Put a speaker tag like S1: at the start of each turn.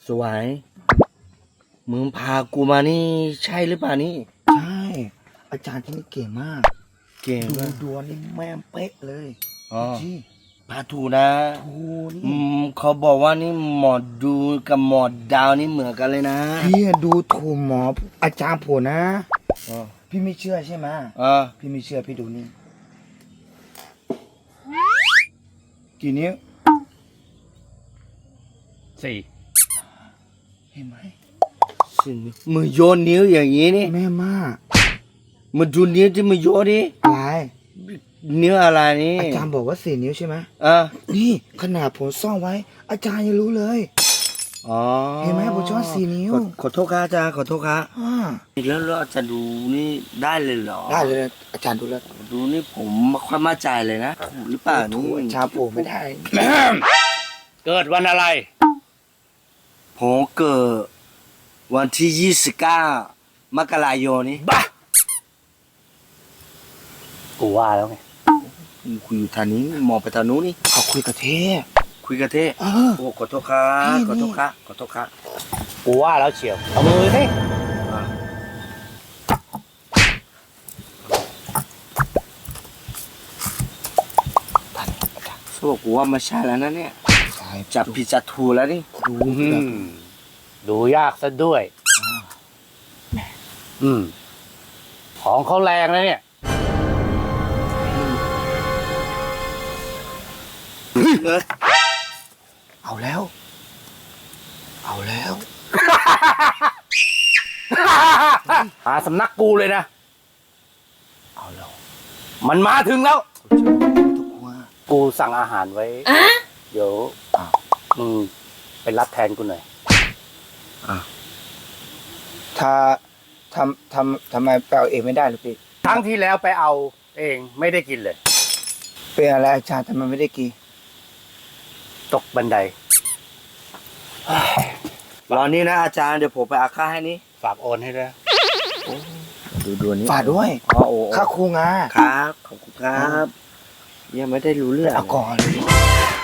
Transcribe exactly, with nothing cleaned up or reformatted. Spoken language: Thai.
S1: สวยมึงพากูมานี่ใช่หรือเปล่านี่
S2: ใช่อาจารย์ที่นี่เก่งมาก
S1: เก่ง
S2: ดู
S1: มาก
S2: ดวงนี่แม่งเป๊ะเลย
S1: อ๋อ
S2: จี้
S1: พาถูนะ
S2: ถูนี่
S1: อืมเขาบอกว่านี่หมอดูกับหมอดาวนี่เหมือนกันเลยนะ
S2: พี่ดูถูกหมออาจารย์ผมนะ
S1: อ๋อ
S2: พี่ไม่เชื่อใช่ไหม
S1: อ่า
S2: พี่ไม่เชื่อพี่ดูนี่กี่นิ้ว
S3: สี่
S2: เห็นไหม
S1: สิมือโยนนิ้วอย่างนี้นี่
S2: แม่มาก
S1: มาดูนิ้วที่มือโยนดิ
S2: อะไร
S1: นิ้วอะไรนี่
S2: อาจารย์บอกว่าสี่นิ้วใช่ไหม
S1: อ่า
S2: นี่ขนาดผมซ่อนไว้ อาจารย์ยังรู้เลย
S1: อ๋อ
S2: เห็นไหมผมชอบสี่นิ้ว
S1: ขอขอโทษครับอาจารย์ขอโทษครับ
S2: อ่า
S1: แล้วแล้วอาจารย์ดูนี่ได้เลยเหรอ
S2: ได้เลยอาจารย์ดูแล้ว
S1: ดูนี่ผมไม่ค่อยมั่นใจเลยนะถูกหรือเปล่า
S2: ถู
S1: นี่
S2: กอาจารย์ผมไม่ได้
S3: เกิดวันอะไร
S1: ผมเกิดวันที่ยี่สิบเก้ามกราคมนี้
S3: บ้ากูว่าแล้วไง
S1: คุยอยู่ทางนี้มองไปทางนู้นนี่
S2: เขาคุยกับเทพ
S1: คุยกับเท่
S2: เออ
S1: โอ้ขอโทษครับ
S2: นี่
S1: ขอโทษครับขอโทษครับ
S3: กูว่าแล้วเชียวเอามือสิ
S1: อ่าสรุปกูว่าไม่ใช่แล้วนะเนี่ย
S2: ใช่
S1: จับผิดจับถูกแล้วนี่
S2: ดู
S3: อื
S2: แบบ
S3: มดูยากซะด้วย อืม ของเขาแรงนะเนี่ย
S2: เอาแล้ว เอาแล้ว
S3: หาสำนักกูเลยนะ
S2: เอาแล้ว
S3: มันมาถึงแล้ว
S2: ทุกคน
S3: กูสั่งอาหารไว้ เดี๋ยว
S2: อ้าว
S3: มึงไปรับแทนกูหน่อย
S2: ถ้าทำทำทำไมไปเอาเองไม่ได้หรือพี่
S3: ครั้งที่แล้วไปเอาเองไม่ได้กินเลย
S2: เป็นอะไรอาจารย์ทำไมไม่ได้กิน
S3: ตกบันได
S1: รอนี่นะอาจารย์เดี๋ยวผมไปอาค่าให้นี่
S3: ฝากโอนให้ด้วย
S1: ดูดวนนี้
S2: ฝากด้วย
S1: อ๋อโอ้
S2: ค่าครูงา
S1: ครับขอบคุณครับ ยังไม่ได้รู้เรื่อง
S2: เอาก่อนเลย